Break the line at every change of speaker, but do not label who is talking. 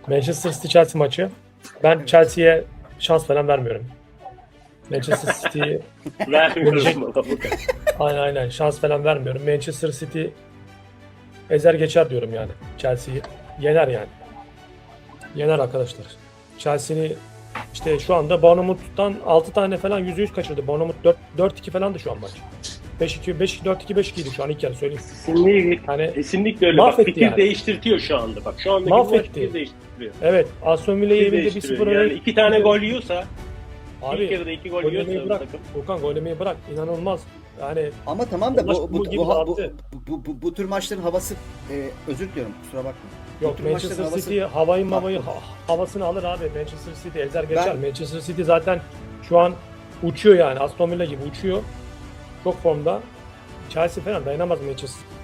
Manchester City Chelsea maçı. Ben Chelsea'ye şans falan vermiyorum. Manchester City'yi
Vermiyoruz bana bu kadar.
aynen şans falan vermiyorum. Manchester City ezer geçer diyorum yani. Chelsea'yi yener yani. Yener arkadaşlar. Chelsea'ni işte şu anda Bournemouth'tan 6 tane falan %100 kaçırdı. Bournemouth 4-2 falandı şu an maç. 5-2, 4-2, 5-2'ydi şu an ilk yarı söyleyeyim.
Kesinlikle,
Yani
kesinlikle öyle. Bak
mahvetti
fikir
yani.
değiştirtiyor şu anda. Bak şu andaki
Mahvetti.
maç fikir değiştiriyor.
Evet, Aston Villa'yı
Fikir
evinde
değiştiriyor.
1-0
Yani 2 tane gol yiyorsa, ilk
Abi
yarıda 2 gol
gol
yiyorsa
yemeyi
bu
bırak.
takım.
Furkan gol yemeyi bırak. İnanılmaz. Yani
Ama tamam da
Maç
bu,
bu
bu,
gibi
bu, bu,
dağıttı.
bu tür maçların havası özür diliyorum kusura bakma. Bu
yok
tür
Manchester
maçların havası-
City havayı
Bak,
havasını alır abi. Manchester City ezer geçer.
Ben-
Manchester City zaten şu an uçuyor yani. Aston Villa gibi uçuyor. Çok formda. Chelsea falan dayanamaz Manchester